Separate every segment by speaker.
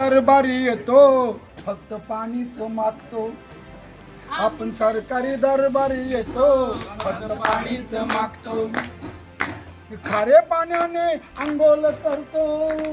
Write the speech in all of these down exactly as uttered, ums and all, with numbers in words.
Speaker 1: दरबारी येतो फक्त पाणीच मागतो. आपण सरकारी दरबारी येतो फक्त पाणीच मागतो. खारे पाण्याने अंघोळ करतो,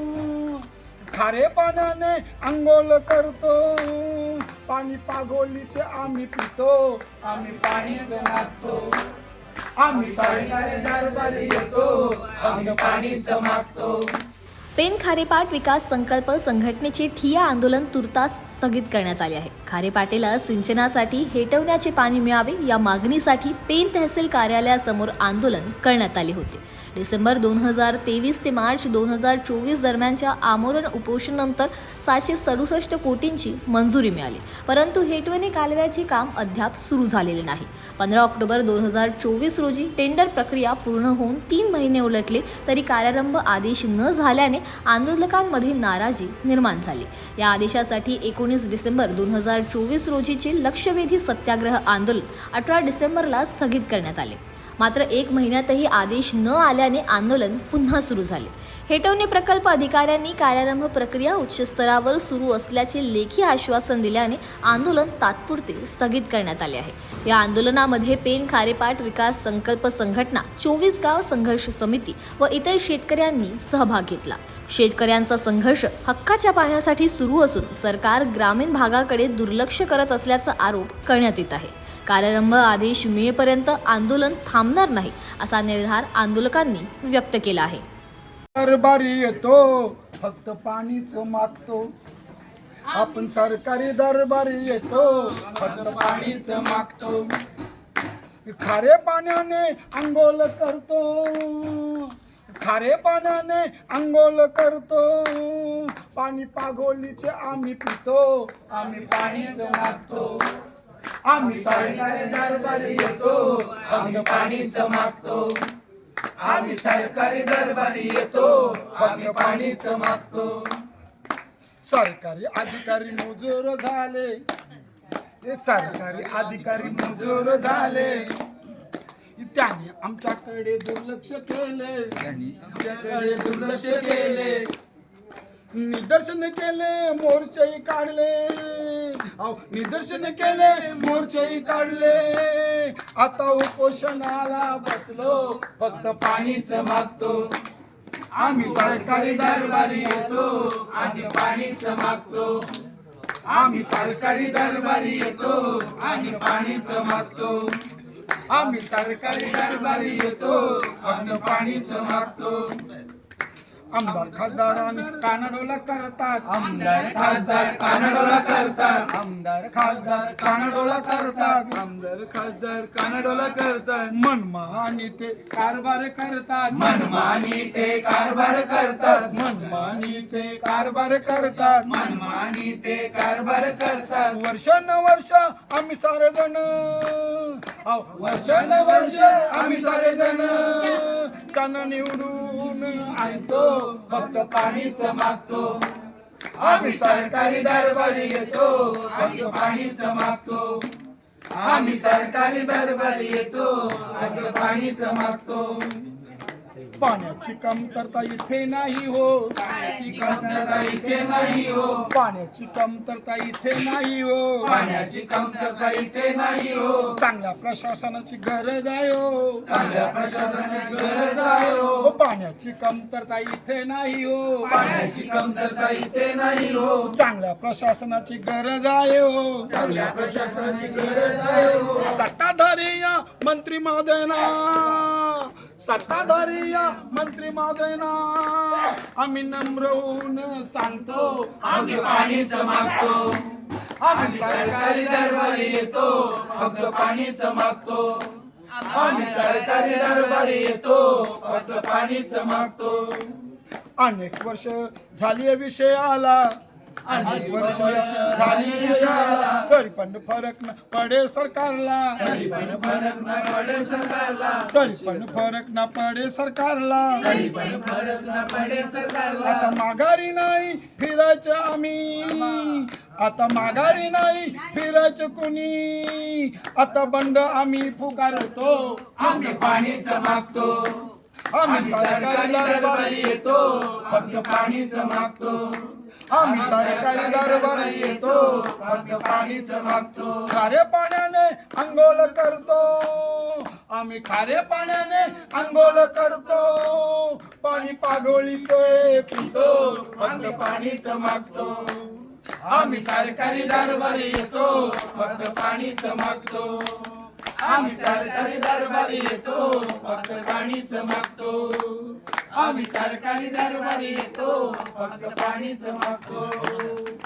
Speaker 1: खारे पाण्याने अंघोळ करतो. पाणी पागोलीचे आम्ही पितो, आम्ही पाणीच मागतो. आम्ही सरकारी दरबारी येतो फक्त पाणीच मागतो.
Speaker 2: पेन खारेपाट विकास संकल्प संघटनेचे ठिय्या आंदोलन तुर्तास स्थगित करण्यात आले आहे. खारेपाटेला सिंचनासाठी हेटवण्याचे पाणी मिळावे या मागणीसाठी पेन तहसील कार्यालयासमोर आंदोलन करण्यात आले होते. डिसेंबर दोन हजार तेवीस ते मार्च दोन हजार चोवीस दरम्यानच्या आमरण उपोषणानंतर सातशे सदुसष्ट कोटींची मंजुरी मिळाली, परंतु हेटवणे कालव्याचे काम अद्याप सुरू झालेले नाही. पंधरा ऑक्टोबर दोन हजार चोवीस रोजी टेंडर प्रक्रिया पूर्ण होऊन तीन महिने उलटले तरी कार्यारंभ आदेश न झाल्याने आंदोलकांमध्ये नाराजी निर्माण झाली. या आदेशासाठी एकोणीस डिसेंबर दोन हजार चोवीस रोजीचे लक्षवेधी सत्याग्रह आंदोलन अठरा डिसेंबरला स्थगित करण्यात आले. मात्र एक महिन्यातही आदेश न आल्याने आंदोलन पुन्हा सुरू झाले. हेटवणे प्रकल्प अधिकाऱ्यांनी कार्यारंभ प्रक्रिया उच्चस्तरावर सुरू असल्याचे लेखी आश्वासन दिल्याने आंदोलन तात्पुरते स्थगित करण्यात आले आहे. या आंदोलनामध्ये पेन खारेपाट विकास संकल्प संघटना, चोवीस गाव संघर्ष समिती व इतर शेतकऱ्यांनी सहभाग घेतला. शेतकऱ्यांचा संघर्ष हक्काच्या पाण्यासाठी सुरू असून सरकार ग्रामीण भागाकडे दुर्लक्ष करत असल्याचा आरोप करण्यात येत आहे. कार्यारंभ आदेश मिळेपर्यंत आंदोलन थांबणार नाही असा निर्धार आंदोलकांनी व्यक्त केला आहे.
Speaker 1: दरबारी येतो फक्त पाणीच मागतो. आपण सरकारी दरबारी येतो फक्त पाणीच मागतो. खारे पाण्याने अंघोळ करतो, खारे पाण्याने अंघोळ करतो. पाणी पागोलीचे आम्ही पितो, आम्ही पाणीच मागतो. आम्ही सरकारी दरबारी येतो फक्त पाणीच मागतो. आम्ही सरकारी दरबारी येतो फक्त पाणीच मागतो. सरकारी अधिकारी मजूर झाले, ते सरकारी अधिकारी मजूर झाले. त्यांनी आमच्याकडे दुर्लक्ष केले, त्यांनी आमच्याकडे दुर्लक्ष केले. निदर्शन केले, मोर्चेही काढले, अहो निदर्शन केले, मोर्चेही काढले. आता उपोषणाला बसलो फक्त पाणीच मागतो. आम्ही सरकारी दरबारी येतो आणि पाणीच मागतो. आम्ही सरकारी दरबारी येतो आणि पाणीच मागतो. आम्ही सरकारी दरबारी येतो आणि पाणीच मागतो. आमदार खासदारांनी कानाडोला करतात,
Speaker 3: आमदार खासदार कानाडोला करतात,
Speaker 1: आमदार खासदार कानाडोला करतात,
Speaker 3: आमदार खासदार कानाडोला करतात.
Speaker 1: मनमानी ते कारभार करतात,
Speaker 3: मनमानी ते कारभार करतात,
Speaker 1: मनमानी ते कारभार करतात,
Speaker 3: मनमानी ते कारभार करतात.
Speaker 1: वर्षानुवर्ष आम्ही सारे जण, वर्षानुवर्ष आम्ही सारे जण त्यांना निवडून आणतो फक्त पाणीच मागतो. आम्ही सरकारी दरबारी येतो फक्त पाणीच मागतो. आम्ही सरकारी दरबारी येतो फक्त पाणीच मागतो. पाण्याची कमतरता इथे नाही हो,
Speaker 3: पाण्याची कमतरता इथे नाही हो,
Speaker 1: पाण्याची कमतरता इथे नाही हो,
Speaker 3: पाण्याची कमतरता इथे नाही हो.
Speaker 1: चांगल्या प्रशासनाची गरज आहे हो,
Speaker 3: चांगल्या प्रशासनाची गरज आहे हो.
Speaker 1: पाण्याची कमतरता इथे नाही हो,
Speaker 3: पाण्याची कमतरता इथे नाही हो.
Speaker 1: चांगल्या प्रशासनाची गरज आहे हो,
Speaker 3: चांगल्या प्रशासनाची गरज आहे हो.
Speaker 1: सत्ताधारी या मंत्री महोदयना, सत्ताधारी या मंत्री महोदयना आम्ही नम्र होऊन सांगतो
Speaker 3: आम्ही पाणीच मागतो. आम्ही सरकारी दरबारी येतो फक्त पाणीच मागतो. आम्ही सरकारी दरबारी येतो फक्त पाणीच मागतो.
Speaker 1: अनेक वर्ष झाली विषय आला, अनेक वर्ष झाली विषय आला, तरी पण फरक न पडे सरकारला,
Speaker 3: तरी पण फरक न पडे सरकारला,
Speaker 1: तरी पण फरक न पडे सरकारला.
Speaker 3: तरी पण फरक न पडे सरकारला.
Speaker 1: आता माघारी नाही फिरायचं आम्ही, आता माघारी नाही फिरायचं कुणी. आता बंड आम्ही पुकारतो,
Speaker 3: आम्ही पाणीच मागतो.
Speaker 1: आम्ही सरकारी दरबारी
Speaker 3: येतो फक्त पाणीच मागतो.
Speaker 1: आम्ही सरकारी दरबारी येतो फक्त पाणीच मागतो खारे पाण्याने अंघोळ करतो आम्ही खारे पाण्याने अंघोळ करतो पाणी पागोळीचे पितो फक्त पाणीच मागतो आम्ही सरकारी दरबारी येतो फक्त पाणीच मागतो आम्ही सरकारी दरबारी येतो फक्त पाणीच मागतो आम्ही सरकारी दरबारी येतो फक्त पाणीच मागतो